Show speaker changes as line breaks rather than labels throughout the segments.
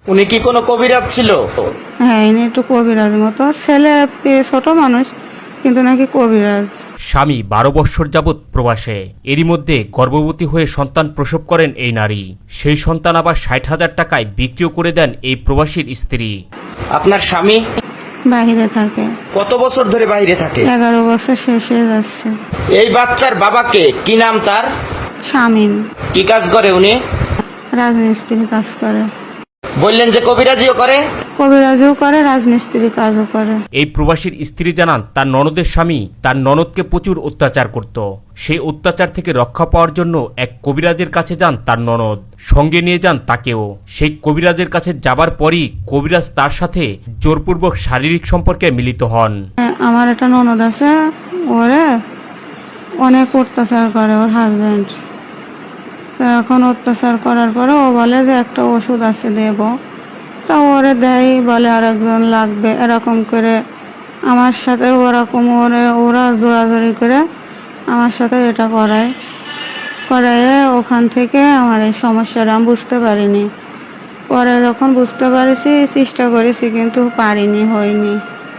উনি কি কোনো কবিরাজ ছিল?
হ্যাঁ, ইনি একটু কবিরাজ মতো, ছেলে ছোট মানুষ কিন্তু নাকি কবিরাজ।
স্বামী 12 বৎসর যাবৎ প্রবাসে, এরই মধ্যে গর্ভবতী হয়ে সন্তান প্রসব করেন এই নারী। সেই সন্তান আবার 60,000 টাকায় বিক্রিও করে দেন এই প্রবাসীর স্ত্রী।
আপনার স্বামী
বাইরে থাকে।
কত বছর ধরে বাইরে থাকে?
11 বছর শেষ হয়ে যাচ্ছে।
এই বাচ্চার বাবাকে কি নাম তার?
শামীম।
কি কাজ করে উনি?
রাজমিস্ত্রি কাজ করে।
বললেন যে কবিরাজিও করে?
কবিরাজও করে, রাজমিস্ত্রি কাজও করে।
এই প্রবাসীর স্ত্রী জানান, তার ননদের স্বামী তার ননদকে প্রচুর অত্যাচার করত। সেই অত্যাচার থেকে রক্ষা পাওয়ার জন্য এক কবিরাজের কাছে যান তার ননদ, সঙ্গে নিয়ে যান তাকেও। সেই কবিরাজের কাছে যাবার পরই কবিরাজ তার সাথে জোরপূর্বক শারীরিক সম্পর্কে মিলিত হন।
আমার একটা ননদ আছে, ওরে অনেক অত্যাচার করে ওর হাজবেন্ড। তো এখন অত্যাচার করার পরে ও বলে যে একটা ওষুধ আছে দেব, তা ওরে দেয়, বলে আর একজন লাগবে, এরকম করে আমার সাথে ওরকম ওরা জোরাজোরি করে আমার সাথে এটা করায় ওখান থেকে আমার এই সমস্যাটা আমি বুঝতে পারিনি। পরে যখন বুঝতে পারছি চেষ্টা করেছি কিন্তু পারিনি, হয়নি,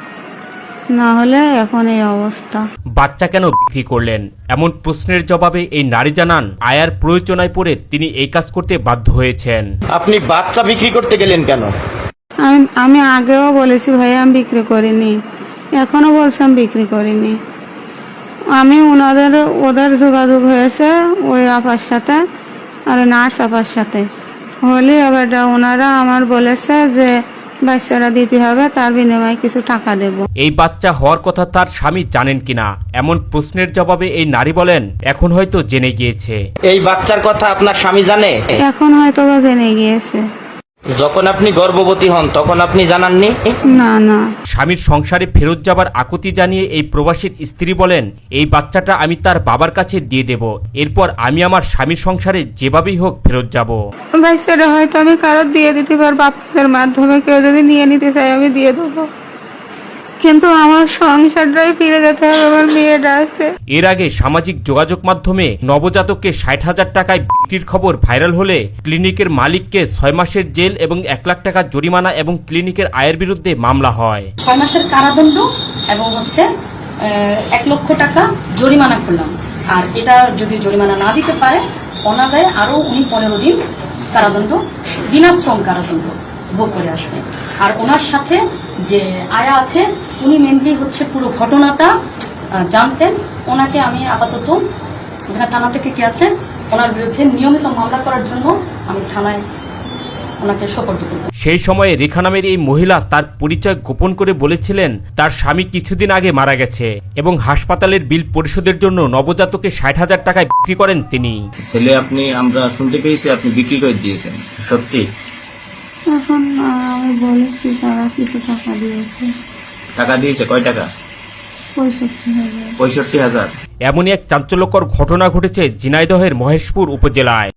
না হলে এখন এই অবস্থা।
বাচ্চা কেন বিক্রি করলেন এমন প্রশ্নের জবাবে এই নারী জানান, আয়ার প্রয়োজনায় পড়ে তিনি এই কাজ করতে বাধ্য হয়েছেন।
আপনি বাচ্চা বিক্রি করতে গেলেন কেন?
আমি আগেও বলেছি ভাই আমি বিক্রি করিনি, এখনো বলছি আমি বিক্রি করিনি। আমি ওদের যোগাযোগ হয়েছে ওই আপার সাথে আর নার্স আপার সাথে হলে, এবার ওনারা আমার বলেছে যে বাচ্চারা দিতে হবে, তার বিনিময়ে কিছু টাকা দেব।
এই বাচ্চা হওয়ার কথা তার স্বামী জানেন কিনা এমন প্রশ্নের জবাবে এই নারী বলেন, এখন হয়তো জেনে গিয়েছে।
এই বাচ্চার কথা আপনার স্বামী জানে?
এখন হয়তো বা জেনে গিয়েছে।
যখন আপনি গর্ভবতী হন তখন আপনি জানাননি?
না না।
স্বামীর সংসারে ফেরত যাবার আকুতি জানিয়ে এই প্রবাসীর স্ত্রী বলেন, এই বাচ্চাটা আমি তার বাবার কাছে দিয়ে দেব, এরপর আমি আমার স্বামীর সংসারে যেভাবেই হোক ফেরত যাব।
বাচ্চাটা হয়তো আমি কারো দিয়ে দিতে পারবো, আপনাদের মাধ্যমে কেউ যদি নিয়ে নিতে চাই আমি দিয়ে দেবো, কিন্তু আমার সংসারটাই ফিরে যেতে হবে, আমার মেয়েটা আছে।
এর আগে সামাজিক যোগাযোগ মাধ্যমে নবজাতককে 60,000 টাকায় বিক্রির খবর ভাইরাল হলে ক্লিনিকের মালিককে 6 মাসের জেল এবং 1 লাখ টাকা জরিমানা এবং ক্লিনিকের আয়ের বিরুদ্ধে মামলা হয়।
6 মাসের কারাদণ্ড এবং 1 লক্ষ টাকা জরিমানা করলাম। আর এটা যদি জরিমানা না দিতে পারে অনাদায়ে আরো উনি 15 দিন কারাদণ্ড, বিনাশ্রম কারাদণ্ড ভোগ করে আসবে। আর ওনার সাথে যে আয়া আছে উনি মেনলি পুরো ঘটনাটা জানতেন। ওনাকে আমি আপাতত এখানে থানা থেকে কে আছে ওনার বিরুদ্ধে নিয়মিত মামলা করার জন্য আমি থানায় ওনাকে সোপর্দ করব।
সেই সময়ে রেখা নামের এই মহিলা তার পরিচয় গোপন করে বলেছিলেন, তার স্বামী কিছুদিন আগে মারা গেছে এবং হাসপাতালের বিল পরিশোধের জন্য নবজাতকে 60,000 টাকায় বিক্রি করেন তিনি।
ছেলে আমরা শুনতে পেয়েছি আপনি বিক্রি করে দিয়েছেন, সত্যি?
এখন আমি বলেছি তারা কিছু টাকা দিয়েছে।
টাকা দিয়েছে? কয় টাকা?
65,000।
65,000।
এমনই এক চাঞ্চল্যকর ঘটনা ঘটেছে ঝিনাইদহের মহেশপুর উপজেলায়।